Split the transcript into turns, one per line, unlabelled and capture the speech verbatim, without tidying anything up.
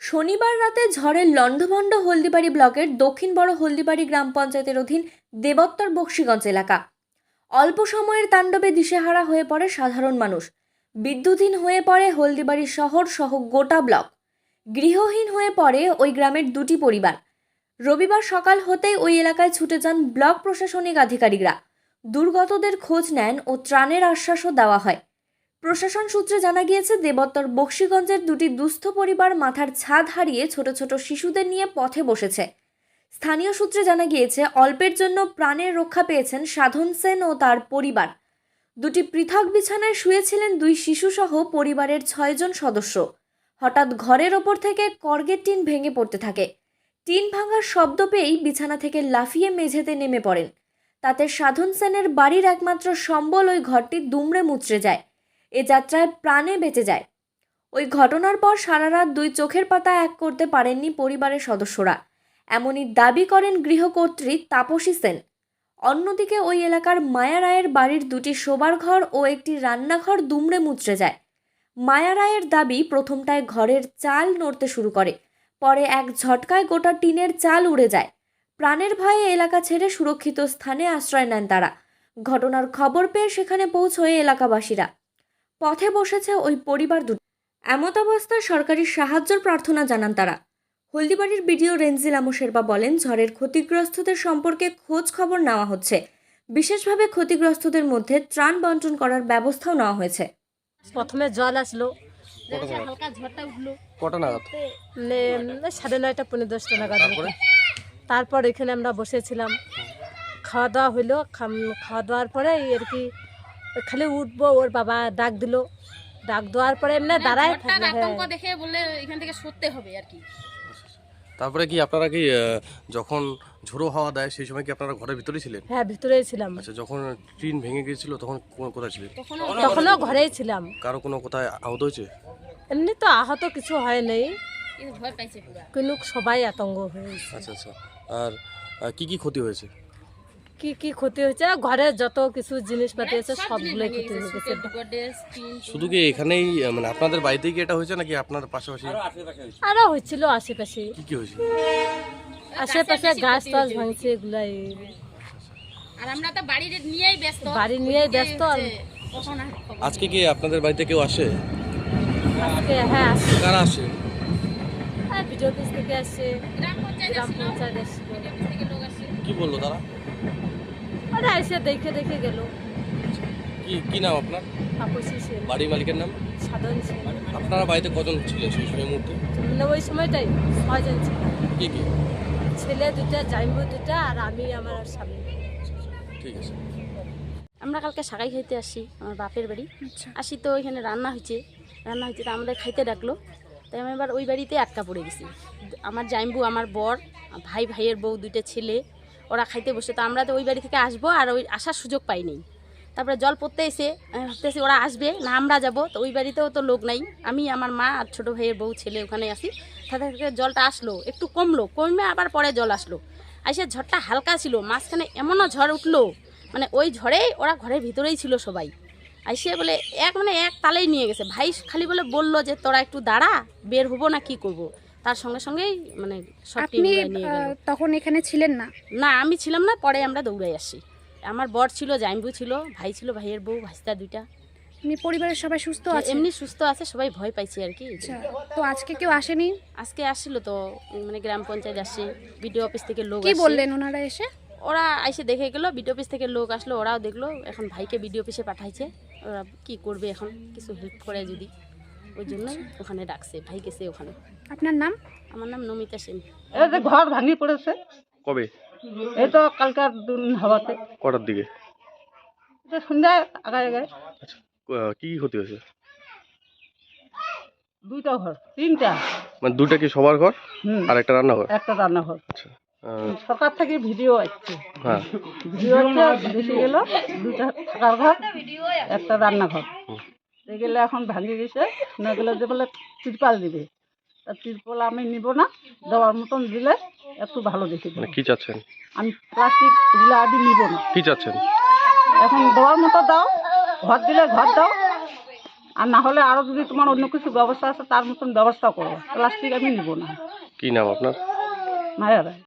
শনিবার রাতে ঝড়ের লণ্ডভণ্ড হলদিবাড়ি ব্লকের দক্ষিণ বড় হলদিবাড়ি গ্রাম পঞ্চায়েতের অধীন দেবোত্তর বক্সিগঞ্জ এলাকা। অল্প সময়ের তাণ্ডবে দিশেহারা হয়ে পড়ে সাধারণ মানুষ। বিদ্যুৎহীন হয়ে পড়ে হলদিবাড়ি শহর সহ গোটা ব্লক। গৃহহীন হয়ে পড়ে ওই গ্রামের দুটি পরিবার। রবিবার সকাল হতেই ওই এলাকায় ছুটে যান ব্লক প্রশাসনিক আধিকারিকরা। দুর্গতদের খোঁজ নেন ও ত্রাণের আশ্বাসও দেওয়া হয়। প্রশাসন সূত্রে জানা গিয়েছে, দেবোত্তর বক্সিগঞ্জের দুটি দুস্থ পরিবার মাথার ছাদ হারিয়ে ছোট ছোট শিশুদের নিয়ে পথে বসেছে। স্থানীয় সূত্রে জানা গিয়েছে, অল্পের জন্য প্রাণের রক্ষা পেয়েছেন সাধন সেন ও তার পরিবার। দুটি পৃথক বিছানায় শুয়েছিলেন দুই শিশুসহ পরিবারের ছয়জন সদস্য। হঠাৎ ঘরের ওপর থেকে কর্গের টিন ভেঙে পড়তে থাকে। টিন ভাঙার শব্দ পেয়েই বিছানা থেকে লাফিয়ে মেঝেতে নেমে পড়েন। তাতে সাধন সেনের বাড়ির একমাত্র সম্বল ওই ঘরটি দুমড়ে মুচড়ে যায়। এ যাত্রায় প্রাণে বেঁচে যায়। ওই ঘটনার পর সারা রাত দুই চোখের পাতা এক করতে পারেননি পরিবারের সদস্যরা, এমনই দাবি করেন গৃহকর্ত্রী তাপসী সেন। অন্যদিকে ওই এলাকার মায়া রায়ের বাড়ির দুটি শোবার ঘর ও একটি রান্নাঘর দুমড়ে মুচড়ে যায়। মায়া রায়ের দাবি, প্রথমটায় ঘরের চাল নড়তে শুরু করে, পরে এক ঝটকায় গোটা টিনের চাল উড়ে যায়। প্রাণের ভয়ে এলাকা ছেড়ে সুরক্ষিত স্থানে আশ্রয় নেন তারা। ঘটনার খবর পেয়ে সেখানে পৌঁছয় এলাকাবাসীরা। পথে বসেছে ওই পরিবার দুটি। এমতাবস্থায় সরকারি সাহায্যের প্রার্থনা জানান তারা। হলদিবাড়ির বিডিও রেঞ্জিল আমশেরবা বলেন, ঝড়ের ক্ষতিগ্রস্তদের সম্পর্কে খোঁজ খবর নেওয়া হচ্ছে। বিশেষভাবে ক্ষতিগ্রস্তদের মধ্যে ত্রাণ বন্টন করার ব্যবস্থাও নেওয়া হয়েছে।
প্রথমে জল আসলো, হালকা ঝড়টা উঠলো
কটা নাগাদ?
মানে সাড়ে নয়টা পনেরো দশটা নাগাদ। তারপর এখানে আমরা বসেছিলাম, খাওয়া দাওয়া হইলো। খাওয়া দাওয়ার পরে আর কি খালি উঠবো, ওর বাবা ডাক দিল। ডাক দেওয়ার পরে এমনি দাঁড়ায়
আতঙ্ক দেখে বলে এখান থেকে সরতে হবে আর কি।
তারপরে কি আপনারা কি যখন ঝোড়ো হাওয়া দেয় সেই সময় কি আপনারা ঘরের ভিতরেই ছিলেন?
হ্যাঁ, ভিতরেই ছিলাম।
আচ্ছা, যখন টিন ভেঙে গিয়েছিল তখন কোথায় ছিলেন?
তখনও ঘরেই ছিলাম।
কারো কোনো কোথায় আহত হয়েছে?
এমনি তো আহত কিছু হয় নাই,
ভয় পাইছে পুরো,
কিন্তু সবাই আতঙ্ক হয়েছে।
আচ্ছা আচ্ছা, আর কি কি ক্ষতি হয়েছে?
কি কি ক্ষতি হয়েছে, ঘরের যত কিছু জিনিসপাতি আছে সবগুলোই ক্ষতি হয়ে গেছে।
শুধু কি এখানেই মানে আপনাদের বাড়িতেই কি এটা হয়েছে নাকি আপনার পাশাপাশি
আরো হয়েছিল আশেপাশে?
কি কি হয়েছে?
আশেপাশে গাছ টাছ ভাঙছে, এগুলাই।
আর আমরা তো বাড়ি নিয়েই ব্যস্ত,
বাড়ি নিয়েই ব্যস্ত।
আজকে কি আপনাদের বাড়িতে কেউ আসে?
আজকে হ্যাঁ আসে।
কারা আসে?
হ্যাঁ, বিডিও অফিস থেকে আসে,
গ্রাম পঞ্চায়েত
গ্রাম
আসলো,
পঞ্চায়েত আসে।
বিডিও অফিস থেকে লোক আসে।
কি বললো তারা?
ওরা এসে দেখে দেখে গেল।
কি কি নাম আপনার?
তাপসী সেন।
বাড়ির মালিকের নাম?
সাধন সেন।
আপনারা বাড়িতে কজন ছিলেন সেই সময় মুহূর্তে?
মানে ওই সময়টাই ছয়জন ছিল।
কি কি?
ছেলে দুটা, জাইম্বু দুটা, আর আমি আমার স্বামী।
ঠিক আছে।
আমরা কালকে শাকাই খাইতে আসি আমার বাপের বাড়ি। আসি তো ওইখানে রান্না হয়েছে রান্না হয়েছে তো আমাদের খাইতে ডাকলো। তাই আমি এবার ওই বাড়িতে আটকা পড়ে গেছি। আমার জাইম্বু, আমার বর, ভাই, ভাইয়ের বউ, দুইটা ছেলে, ওরা খাইতে বসে। তো আমরা তো ওই বাড়ি থেকে আসবো, আর ওই আসার সুযোগ পাইনি। তারপরে জল পড়তে এসে আমি ভাবতেছি ওরা আসবে না আমরা যাব, তো ওই বাড়িতেও তো লোক নাই। আমি, আমার মা আর ছোটো ভাইয়ের বউ, ছেলে ওখানে আসি। তাদের থেকে জলটা আসলো, একটু কমলো, কমে আবার পরে জল আসলো। আসে ঝড়টা হালকা ছিল, মাঝখানে এমনও ঝড় উঠলো, মানে ওই ঝড়েই ওরা ঘরের ভিতরেই ছিল সবাই। আইসে বলে এক মানে এক তালেই নিয়ে গেছে। ভাই খালি বলে বললো যে তোরা একটু দাঁড়া, বের হবো না কি করব। তার সঙ্গে সঙ্গেই মানে সব টিন নিয়ে গেল।
তখন এখানে ছিলেন না?
না, আমি ছিলাম না, পরে আমরা দৌড়াই আসি। আমার বর ছিল, জাইম্বু ছিল, ভাই ছিল, ভাইয়ের বউ, ভাইস্তা দুইটা।
এমনি পরিবারের সবাই সুস্থ আছে?
এমনি সুস্থ আছে, সবাই ভয় পাইছে আর কি।
তো আজকে কেউ আসেনি?
আজকে আসছিল তো, মানে গ্রাম পঞ্চায়েত আসে, বিডিও অফিস থেকে লোক
কি
আসে।
বললেন ওনারা এসে?
ওরা এসে দেখে গেলো, বিডিও অফিস থেকে লোক আসলো, ওরাও দেখলো। এখন ভাইকে বিডিও অফিসে পাঠাইছে, ওরা কি করবে এখন, কিছু হেল্প করে যদি, ওই জন্যই ওখানে ডাকছে। ভাই গেছে ওখানে।
আপনার নাম?
আমার নাম নমিতা সেন।
এই যে ঘর ভাঙি পড়েছে।
কবে?
এই তো কালকার দিন হাওয়াতে।
কটার দিকে?
সন্ধ্যায় আগায় আগায়।
আচ্ছা, কি কি ক্ষতি হয়েছে?
দুইটা ঘর, তিনটা।
মানে দুটা কি সবার ঘর আর একটা রান্নাঘর?
একটা রান্নাঘর।
আচ্ছা,
সরকার থেকে ভিডিও আসছে।
হ্যাঁ,
ভিডিও দেখে গেল দুটা থাকার ঘর, একটা রান্নাঘর। গেলে এখন ভাঙে গেছে, না গেলে যে বলে তিরপাল দিবে। তা তিরপাল আমি নিব না, দেওয়ার মতন দিলে একটু ভালো দেখে দেবো।
মানে কি চাচ্ছেন?
আমি প্লাস্টিক দিলে আমি নিব না।
কি চাচ্ছেন?
এখন দেওয়ার মতো দাও, ঘর দিলে ঘর দাও, আর না হলে আরও যদি তোমার অন্য কিছু ব্যবস্থা আছে তার মতন ব্যবস্থা করো, প্লাস্টিক আমি নিব না।
কি নাম আপনার?
মায়া রায়।